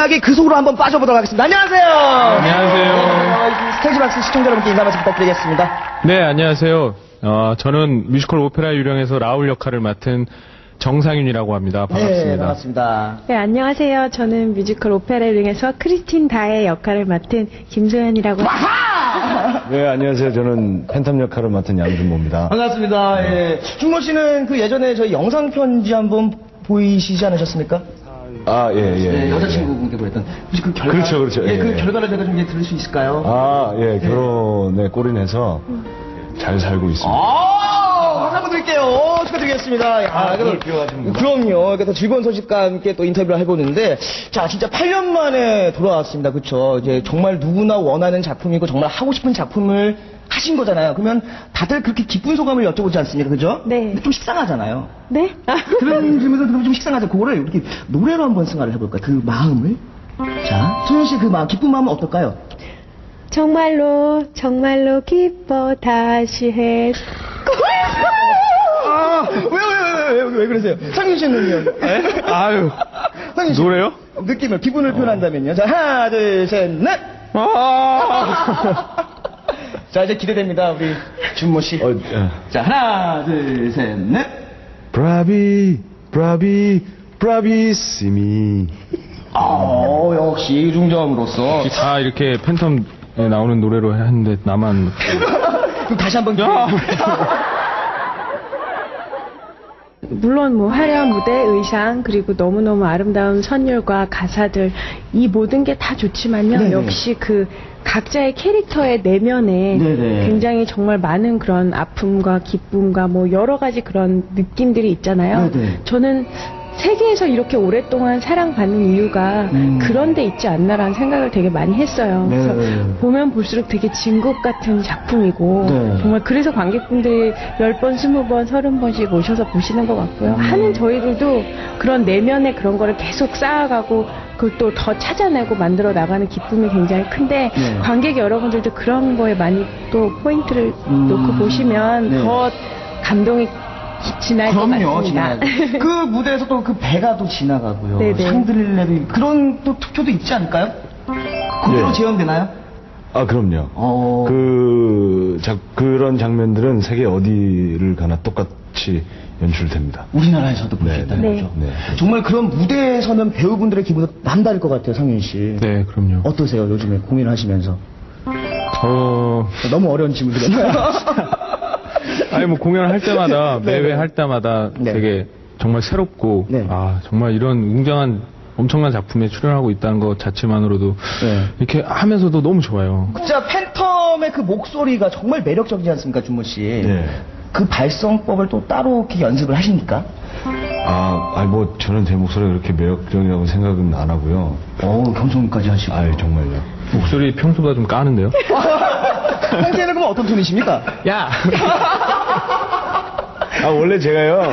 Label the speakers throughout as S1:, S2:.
S1: 이야기 그 속으로 한번 빠져보도록 하겠습니다. 안녕하세요.
S2: 안녕하세요.
S1: 스테이지박스 시청자 여러분께 인사 말씀 부탁드리겠습니다.
S2: 네, 안녕하세요. 저는 뮤지컬 오페라 유령에서 라울 역할을 맡은 정상윤이라고 합니다. 반갑습니다.
S1: 네, 반갑습니다.
S3: 네, 안녕하세요. 저는 뮤지컬 오페라 유령에서 크리스틴 다의 역할을 맡은 김소연이라고 합니다.
S4: 네, 안녕하세요. 저는 팬텀 역할을 맡은 양준모입니다.
S1: 반갑습니다. 예. 준모 씨는 그 예전에 저희 영상 편지 한번 보이시지 않으셨습니까?
S4: 아, 예, 예.
S1: 네,
S4: 예.
S1: 여자친구분께 보냈던. 혹시 그 결과.
S4: 그렇죠, 그렇죠.
S1: 예,
S4: 예,
S1: 그
S4: 예.
S1: 결과를 제가 좀 들을 수 있을까요?
S4: 아, 예. 결혼에 골인해서 잘 살고 있습니다.
S1: 박수 한번 드릴게요. 축하드리겠습니다. 야,
S4: 그걸 기억하십니까?
S1: 그럼요. 그래서 즐거운 소식과 함께 또 인터뷰를 해보는데, 자, 진짜 8년 만에 돌아왔습니다. 그쵸? 이제 정말 누구나 원하는 작품이고, 정말 하고 싶은 작품을 하신 거잖아요. 그러면 다들 그렇게 기쁜 소감을 여쭤보지 않습니까? 그죠?
S3: 네.
S1: 근데 좀 식상하잖아요.
S3: 네?
S1: 그런 질문에서 들으면 좀 식상하죠. 그거를 이렇게 노래로 한번 승화를 해볼까요? 그 마음을. 자, 소연 씨 그 마음, 기쁜 마음은 어떨까요?
S3: 정말로, 정말로 기뻐 다시 해.
S1: 아, 왜 그러세요? 상윤 씨는요?
S2: 아유,
S1: 상윤 씨.
S2: 노래요?
S1: 느낌을, 기분을 표현한다면요. 자, 하나, 둘, 셋, 넷! 자, 이제 기대됩니다, 우리 준모 씨. 자, 하나, 둘, 셋, 넷!
S4: 브라비, 브라비, 브라비시미.
S1: 역시 이중저음으로서.
S2: 다 이렇게 팬텀에 나오는 노래로 했는데 나만
S1: 그럼 다시 한번
S3: 물론 뭐 화려한 무대, 의상, 그리고 너무너무 아름다운 선율과 가사들, 이 모든 게 다 좋지만요.
S1: 네네.
S3: 역시 그 각자의 캐릭터의 내면에
S1: 네네.
S3: 굉장히 정말 많은 그런 아픔과 기쁨과 뭐 여러 가지 그런 느낌들이 있잖아요.
S1: 네네.
S3: 저는 세계에서 이렇게 오랫동안 사랑받는 이유가 그런 데 있지 않나라는 생각을 되게 많이 했어요.
S1: 네.
S3: 그래서 보면 볼수록 되게 진국 같은 작품이고
S1: 네.
S3: 정말 그래서 관객분들이 10번, 20번, 30번씩 오셔서 보시는 것 같고요. 하는 저희들도 그런 내면의 그런 거를 계속 쌓아가고 그걸 또 더 찾아내고 만들어 나가는 기쁨이 굉장히 큰데
S1: 네.
S3: 관객 여러분들도 그런 거에 많이 또 포인트를 놓고 보시면
S1: 네.
S3: 더 감동이 지날 것
S1: 그럼요,
S3: 같습니다.
S1: 지나가고. 그 무대에서 또 그 배가 또 지나가고요.
S3: 네네.
S1: 상들을 내도 그런 또 투표도 있지 않을까요? 그대로
S4: 예.
S1: 재현되나요?
S4: 아, 그럼요.
S1: 어.
S4: 그런 장면들은 세계 어디를 가나 똑같이 연출됩니다.
S1: 우리나라에서도 볼 수
S4: 네,
S1: 있다는
S3: 네.
S1: 거죠.
S4: 네.
S1: 정말 그런 무대에 서는 배우분들의 기분도 남다를 것 같아요, 상윤 씨.
S2: 네, 그럼요.
S1: 어떠세요, 요즘에 공연하시면서? 너무 어려운 질문 드렸나요?
S2: 아니 뭐 공연할 때마다
S1: 네,
S2: 매회
S1: 네.
S2: 할 때마다
S1: 네.
S2: 되게 정말 새롭고
S1: 네.
S2: 아 정말 이런 웅장한 엄청난 작품에 출연하고 있다는 것 자체만으로도
S1: 네.
S2: 이렇게 하면서도 너무 좋아요.
S1: 진짜 팬텀의 그 목소리가 정말 매력적이지 않습니까, 준모 씨?
S4: 네.
S1: 그 발성법을 또 따로 이렇게 연습을 하십니까?
S4: 뭐, 저는 제 목소리가 그렇게 매력적이라고 생각은 안 하고요.
S1: 경성까지 하시고.
S4: 아유, 정말요.
S2: 목소리 평소보다 좀 까는데요?
S1: 평소에는 그럼 어떤 톤이십니까?
S2: 야!
S4: 원래 제가요.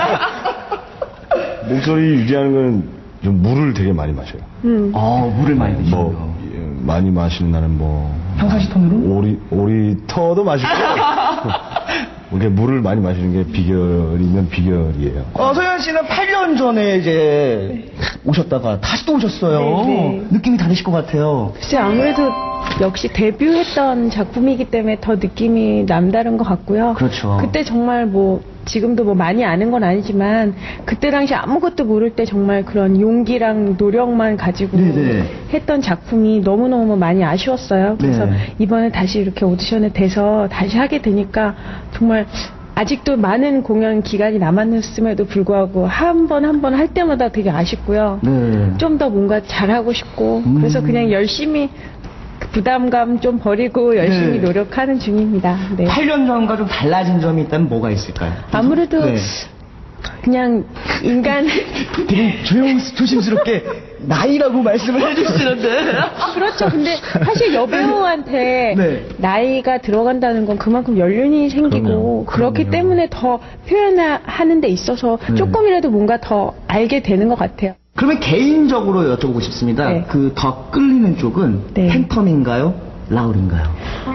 S4: 목소리 유지하는 건 좀 물을 되게 많이 마셔요.
S1: 물을 많이 드시고요.
S4: 뭐, 많이 마시는 날은 뭐.
S1: 평상시 톤으로?
S4: 오리터도 마시고. 이렇게 물을 많이 마시는 게 비결이면 비결이에요.
S1: 소연 씨는 8년 전에 이제 오셨다가 다시 또 오셨어요.
S3: 네.
S1: 느낌이 다르실 것 같아요.
S3: 글쎄 아무래도 역시 데뷔했던 작품이기 때문에 더 느낌이 남다른 것 같고요.
S1: 그렇죠.
S3: 그때 정말 뭐 지금도 뭐 많이 아는 건 아니지만 그때 당시 아무것도 모를 때 정말 그런 용기랑 노력만 가지고
S1: 네네.
S3: 했던 작품이 너무너무 많이 아쉬웠어요. 그래서
S1: 네.
S3: 이번에 다시 이렇게 오디션에 돼서 다시 하게 되니까 정말 아직도 많은 공연 기간이 남았음에도 불구하고 한 번 한 번 할 때마다 되게 아쉽고요.
S1: 네.
S3: 좀 더 뭔가 잘하고 싶고 그래서 그냥 열심히 그 부담감 좀 버리고 열심히
S1: 네.
S3: 노력하는 중입니다. 네.
S1: 8년 전과 좀 달라진 점이 있다면 뭐가 있을까요?
S3: 아무래도
S1: 네.
S3: 그냥 인간
S1: 되게 조심스럽게 나이라고 말씀을 해주시는데.
S3: 그렇죠. 근데 사실 여배우한테
S1: 네.
S3: 나이가 들어간다는 건 그만큼 연륜이 생기고 그렇기
S1: 그럼요.
S3: 때문에 더 표현하는 데 있어서
S1: 네.
S3: 조금이라도 뭔가 더 알게 되는 것 같아요.
S1: 그러면 개인적으로 여쭤보고 싶습니다.
S3: 네.
S1: 그 더 끌리는 쪽은
S3: 네.
S1: 팬텀인가요? 라울인가요?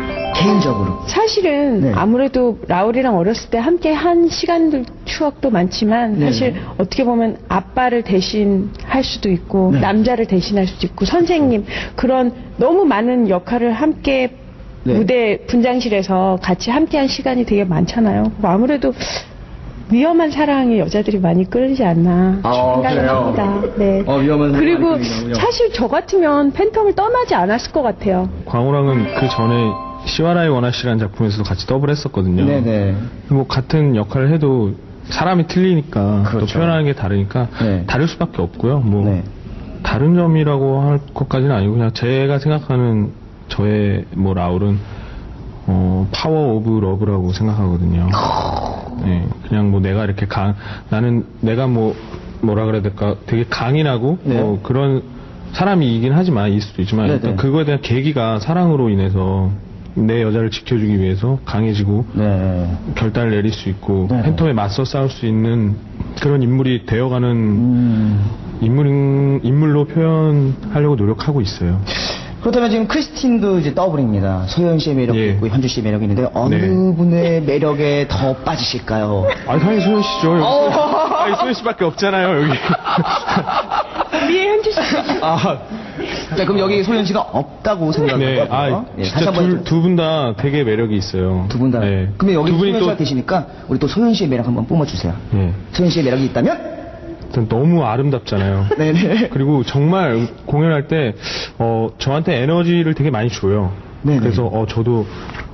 S1: 개인적으로.
S3: 사실은
S1: 네.
S3: 아무래도 라울이랑 어렸을 때 함께 한 시간들 추억도 많지만
S1: 네.
S3: 사실 어떻게 보면 아빠를 대신할 수도 있고
S1: 네.
S3: 남자를 대신할 수도 있고 선생님 그런 너무 많은 역할을 함께
S1: 네.
S3: 무대 분장실에서 같이 함께한 시간이 되게 많잖아요. 아무래도 위험한 사랑에 여자들이 많이 끌리지 않나 생각을
S1: 그래요?
S3: 합니다. 네.
S1: 위험한 사랑에
S3: 그리고
S1: 많이 끌리는군요.
S3: 사실 저 같으면 팬텀을 떠나지 않았을 것 같아요.
S2: 광호랑은 그 전에 시와라이 원아씨라는 작품에서도 같이 더블했었거든요.
S1: 네네.
S2: 뭐 같은 역할을 해도 사람이 틀리니까
S1: 그렇죠.
S2: 또 표현하는 게 다르니까
S1: 네.
S2: 다를 수밖에 없고요. 뭐
S1: 네.
S2: 다른 점이라고 할 것까지는 아니고 그냥 제가 생각하는 저의 뭐 라울은 파워 오브 러브라고 생각하거든요. 네, 그냥 뭐 내가 이렇게 나는 내가 뭐라 그래야 될까 되게 강인하고
S1: 네.
S2: 그런 사람이긴 하지만 일 수도 있지만
S1: 네네.
S2: 일단 그거에 대한 계기가 사랑으로 인해서 내 여자를 지켜주기 위해서 강해지고
S1: 네.
S2: 결단을 내릴 수 있고
S1: 네.
S2: 팬텀에 맞서 싸울 수 있는 그런 인물이 되어가는 인물로 표현하려고 노력하고 있어요.
S1: 그렇다면 지금 크리스틴도 이제 더블입니다. 소연 씨의 매력도
S2: 예.
S1: 있고 현주 씨의 매력이 있는데 어느
S2: 네.
S1: 분의 매력에 더 빠지실까요?
S2: 아니 당연히 소연 씨죠. 아니 소연 씨밖에 없잖아요 여기.
S3: 위에 현주 씨.
S1: 자, 그럼 여기 소연 씨가 없다고 생각하고요.
S2: 네, 진짜 두 분 다 되게 매력이 있어요.
S1: 두 분 다.
S2: 네.
S1: 그러면 여기
S2: 두 분이
S1: 소연 씨가
S2: 또
S1: 계시니까 우리 또 소연 씨의 매력 한번 뿜어주세요.
S2: 네.
S1: 소연 씨의 매력이 있다면?
S2: 일단 너무 아름답잖아요.
S1: 네네.
S2: 그리고 정말 공연할 때 저한테 에너지를 되게 많이 줘요.
S1: 네네.
S2: 그래서 저도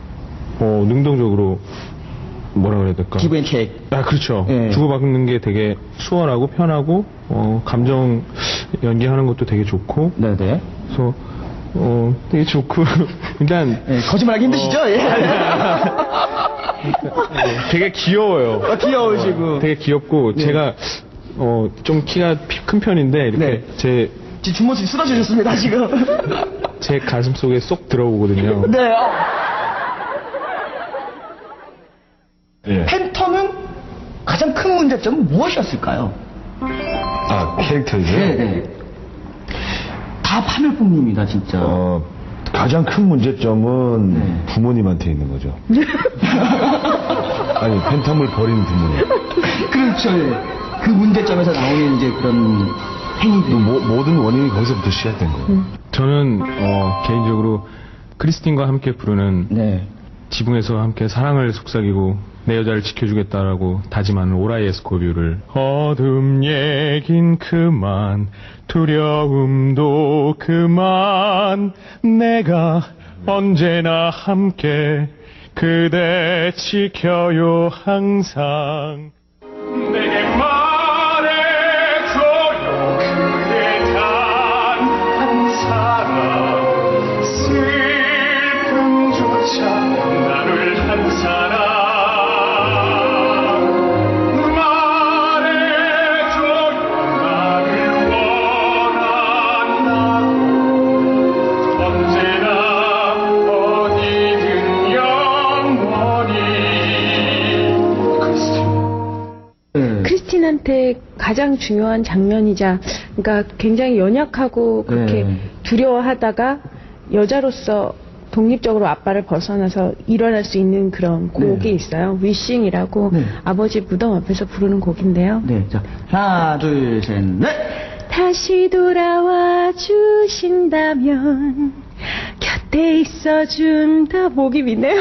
S2: 능동적으로 뭐라 그래야 될까?
S1: 기브 앤 테이크.
S2: 아 그렇죠.
S1: 예.
S2: 주고받는 게 되게 수월하고 편하고 감정 연기하는 것도 되게 좋고
S1: 네네.
S2: 그래서 되게 좋고 일단
S1: 예, 거짓말하기 힘드시죠? 예.
S2: 되게 귀여워요.
S1: 귀여우시고.
S2: 되게 귀엽고
S1: 네.
S2: 제가 좀 키가 큰 편인데 이렇게
S1: 네. 지금 주머니 쓰러지셨습니다 지금.
S2: 제 가슴 속에 쏙 들어오거든요.
S1: 네.
S4: 예.
S1: 팬텀은 가장 큰 문제점은 무엇이었을까요?
S4: 캐릭터이죠?
S1: 네. 다 파멸뿐입니다 진짜.
S4: 가장 큰 문제점은
S1: 네.
S4: 부모님한테 있는 거죠. 아니, 팬텀을 버린 부모님.
S1: 그렇죠. 예. 그 문제점에서 나오는 이제 그런 행위들.
S4: 모든 원인이 거기서부터 시작된 거예요.
S2: 저는 개인적으로 크리스틴과 함께 부르는
S1: 네.
S2: 지붕에서 함께 사랑을 속삭이고 내 여자를 지켜주겠다라고 다짐하는 오라이 에스코뷰를 어둠 얘긴 그만 두려움도 그만 내가 언제나 함께 그대 지켜요 항상 내게 말해줘요 그대 단 한 사람 슬픔조차 나눌 한 사람 말해줘요 나를 원한다고 언제나 어디든 영원히
S3: 크리스틴한테 가장 중요한 장면이자, 그러니까 굉장히 연약하고 그렇게
S1: 네.
S3: 두려워하다가 여자로서 독립적으로 아빠를 벗어나서 일어날 수 있는 그런 곡이 있어요. 위싱이라고
S1: 네.
S3: 아버지 무덤 앞에서 부르는 곡인데요.
S1: 네. 자, 하나, 둘, 셋, 넷.
S3: 다시 돌아와 주신다면 곁에 있어준다. 목이 미네요.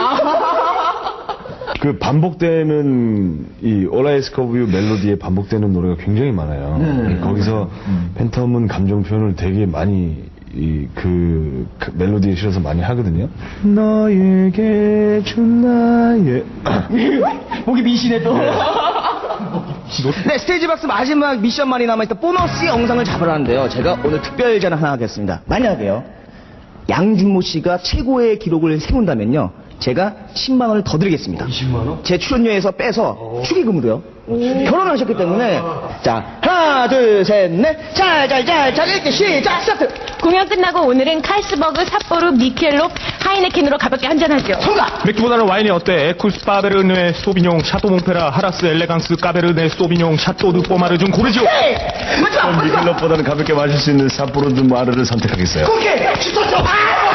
S4: 그 반복되는 이 오라이스커브유 멜로디에 반복되는 노래가 굉장히 많아요.
S1: 네.
S4: 거기서 팬텀은 감정 표현을 되게 많이 그 멜로디에 실어서 많이 하거든요. 너에게 준 나의
S1: 목이 미시네 또. 네, 스테이지박스 마지막 미션만이 남아있다 보너스 영상을 잡으라는데요. 제가 오늘 특별 제안 하나 하겠습니다. 만약에요, 양준모 씨가 최고의 기록을 세운다면요, 제가 10만 원을 더 드리겠습니다. 20만 원? 제 출연료에서 빼서 축의금으로요. 결혼을 하셨기 때문에. 자, 하나, 둘, 셋, 넷. 자, 이렇게 시작, 스타트.
S5: 공연 끝나고 오늘은 칼스버그, 삿포로, 미켈롭, 하이네켄으로 가볍게 한잔하죠.
S1: 통과!
S2: 맥주보다는 와인이 어때? 에쿠스 파베르네 소비뇽 샤또 몽페라 하라스 엘레강스 까베르네 소비뇽 샤또 드 포마르 중 고르지오.
S1: 마지막!
S4: 미켈럽보다는 가볍게 마실 수 있는 삿포로 드 마르를 선택하겠어요.
S1: 오케이! 스타트!